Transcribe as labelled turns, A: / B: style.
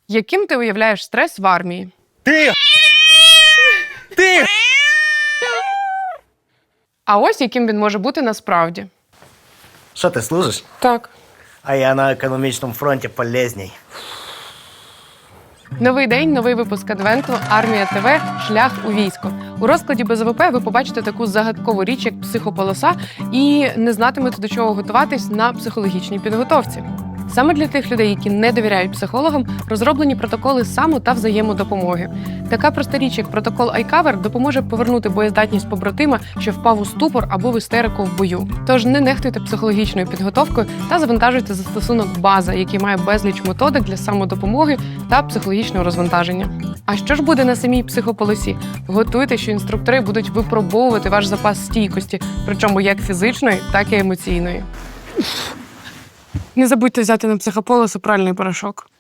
A: Яким ти уявляєш стрес в армії?
B: Ти!
A: А ось яким він може бути насправді.
B: Що, ти служиш?
A: Так.
B: А я на економічному фронті полезній.
A: Новий день, новий випуск адвенту «Армія ТВ. Шлях у військо». У розкладі БЗВП ви побачите таку загадкову річ, як психополоса, і не знатимете, до чого готуватись на психологічній підготовці. Саме для тих людей, які не довіряють психологам, розроблені протоколи само- та взаємодопомоги. Така проста річ, як протокол iCover, допоможе повернути боєздатність побратима, що впав у ступор або в істерику в бою. Тож не нехтуйте психологічною підготовкою та завантажуйте застосунок «База», який має безліч методик для самодопомоги та психологічного розвантаження. А що ж буде на самій психополосі? Готуйте, що інструктори будуть випробовувати ваш запас стійкості, причому як фізичної, так і емоційної. Не забудьте взяти на психополосу пральний порошок.